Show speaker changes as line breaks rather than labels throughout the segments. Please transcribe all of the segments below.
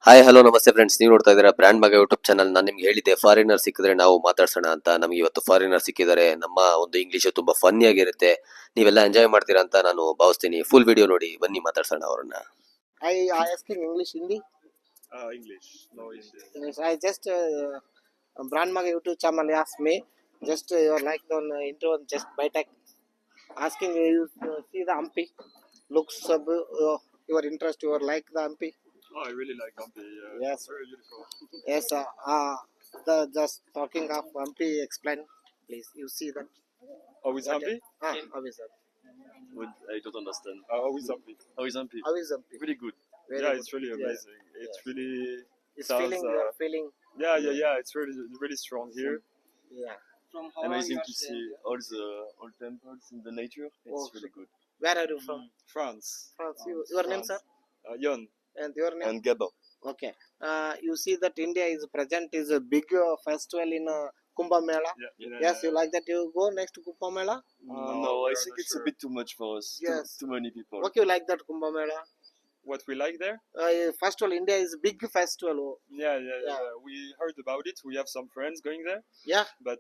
Hi hello ನಮಸ್ತೆ friends, ನೀವು ನೋಡ್ತಾ ಇದ್ದೀರಾ ಬ್ರ್ಯಾಂಡ್ ಮಗ ಯೂಟ್ಯೂಬ್ ಚಾನಲ್. ನಾನು ನಿಮ್ಗೆ ಹೇಳಿದ್ದೆ ಫಾರಿನರ್ ಸಿಕ್ಕಿದ್ರೆ ನಾವು ಮಾತಾಡ್ಸೋಣ ಅಂತ. ನಮಗೆ ಇವತ್ತು ಫಾರಿನರ್ ಸಿಕ್ಕಿದ್ದಾರೆ. ನಮ್ಮ ಒಂದು ಇಂಗ್ಲೀಷು ತುಂಬಾ ಫನ್ನಿ ಆಗಿರುತ್ತೆ, ನೀವೆಲ್ಲ ಎಂಜಾಯ್ ಮಾಡ್ತೀರಾ ಅಂತ ನಾನು ಭಾವಿಸ್ತೀನಿ. ಫುಲ್ ವಿಡಿಯೋ ನೋಡಿ, ಬನ್ನಿ ಮಾತಾಡ್ಸೋಣ ಅವ್ರನ್ನ.
I asking English, Hindi.
English, no Indian.
Yes, I just Brand Maga YouTube channel asked me just your like on intro just by tech asking you see the Hampi looks your interest you like the Hampi.
Oh, I really like Hampi.
Yes.
Very beautiful.
Yes, the just talking of Hampi, explain please. You see that?
How is Hampi?
How is that?
I don't understand.
How is Hampi?
How is Hampi?
How is Hampi?
Really good.
Very
Yeah,
good.
it's really amazing. It's
Yes.
really
It's
sounds,
feeling you are feeling.
yeah. It's really strong here.
Yeah.
From how
Amazing
long
to
you are
see
staying
all the old temples in the nature. It's
Oh,
really good.
Where are you from?
France.
France. Your name, sir?
Yon.
And your name?
And Gabon.
Okay. You see that India is present is a big festival in Kumbh Mela. Yes, you like that? You go next to Kumbh Mela?
No,
we
I
are
think
not
it's
sure.
a bit too much for us.
Yes.
Too many people.
What you like that Kumbh Mela?
What we like there?
First of all, India is big festival.
Yeah.
Yeah.
We heard about it. We have some friends going there,
Yeah.
but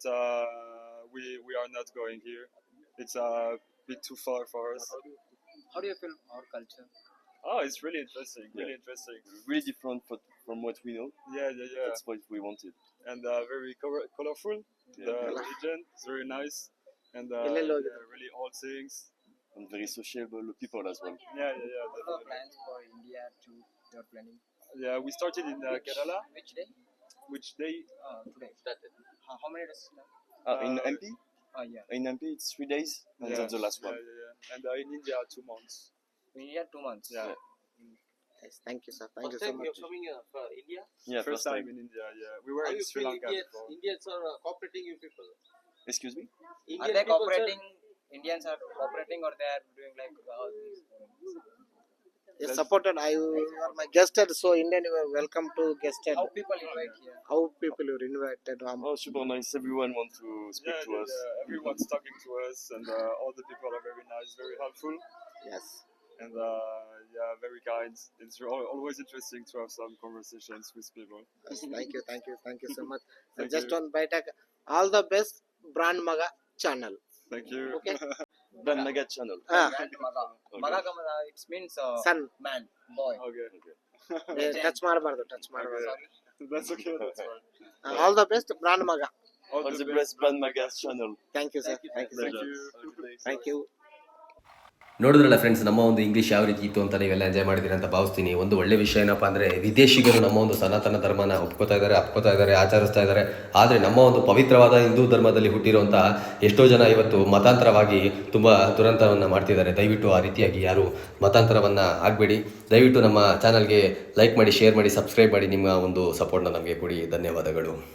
we are not going here. It's a bit too far for us.
How do you feel our culture?
Oh, it's really interesting. Really
Yeah.
interesting.
Really different from what we know.
Yeah.
That's what we wanted.
And very colorful.
Yeah.
The religion is very nice, and
Hello.
really old things.
And very sociable people as well.
Yeah.
What are
Definitely.
plans for India to you're planning?
Yeah, we started in Kerala.
Which day?
Which day?
Today. How many days now?
In
Uh,
MP?
Yeah.
In MP it's 3 days. And that's the last one.
Yeah. And in India, 2 months.
In India 2 months.
Yeah.
Yes, thank you, sir. Thank you so much.
coming for India?
Yeah,
First time in India. Yeah, we were
How
in
you
Sri
feel
Lanka before.
Indians are cooperating you people?
Excuse me?
Are
Indian
they
people,
cooperating? Indians are cooperating or they are doing like all these?
Yes, supported. You are my guested, so Indian you are welcome to guested.
How people invite here?
How people you are invited?
Oh, super nice. Everyone wants to speak to us.
Everyone's talking to us, and all the people are very nice, very helpful,
Yes.
and very kind. It's always interesting to have some conversations with people.
Yes, thank you so much.
Thank
Just
you.
on Bytech, all the best Brand Maga channel.
Thank you.
Okay.
Brand Mega channel.
Grand Maga. Maga Kamada, it means
Son,
man, boy.
Okay.
touch ಮಾಡಬಾರ್ದು touch ಮಾಡಬಾರ್ದು.
That's okay. That's fine.
All the best Brand Maga.
All
On the best Brand Mega channel.
Thank you, sir. Thank you,
Thank
sir.
you.
Thank you.
ನೋಡಿದ್ರಲ್ಲ friends, ನಮ್ಮ ಒಂದು English ಯಾವ ರೀತಿ ಇತ್ತು ಅಂತ ನೀವೆಲ್ಲ ಎಂಜಾಯ್ ಮಾಡಿದ್ದೀರಿ ಅಂತ ಭಾವಿಸ್ತೀನಿ. ಒಂದು ಒಳ್ಳೆ ವಿಷಯ ಏನಪ್ಪ ಅಂದರೆ, ವಿದೇಶಿಗರು ನಮ್ಮ ಒಂದು ಸನಾತನ ಧರ್ಮನ ಅಪ್ಕೋತಾ ಇದ್ದಾರೆ, ಆಚರಿಸ್ತಾ ಇದ್ದಾರೆ. ಆದರೆ ನಮ್ಮ ಒಂದು ಪವಿತ್ರವಾದ ಹಿಂದೂ ಧರ್ಮದಲ್ಲಿ ಹುಟ್ಟಿರುವಂಥ ಎಷ್ಟೋ ಜನ ಇವತ್ತು ಮತಾಂತರವಾಗಿ ತುಂಬ ದುರಂತವನ್ನು ಮಾಡ್ತಿದ್ದಾರೆ. ದಯವಿಟ್ಟು ಆ ರೀತಿಯಾಗಿ ಯಾರು ಮತಾಂತರವನ್ನು ಆಗಬೇಡಿ. ದಯವಿಟ್ಟು ನಮ್ಮ ಚಾನಲ್ಗೆ ಲೈಕ್ ಮಾಡಿ, ಶೇರ್ ಮಾಡಿ, ಸಬ್ಸ್ಕ್ರೈಬ್ ಮಾಡಿ. ನಿಮ್ಮ ಒಂದು ಸಪೋರ್ಟ್ನ ನಮಗೆ ಕೊಡಿ. ಧನ್ಯವಾದಗಳು.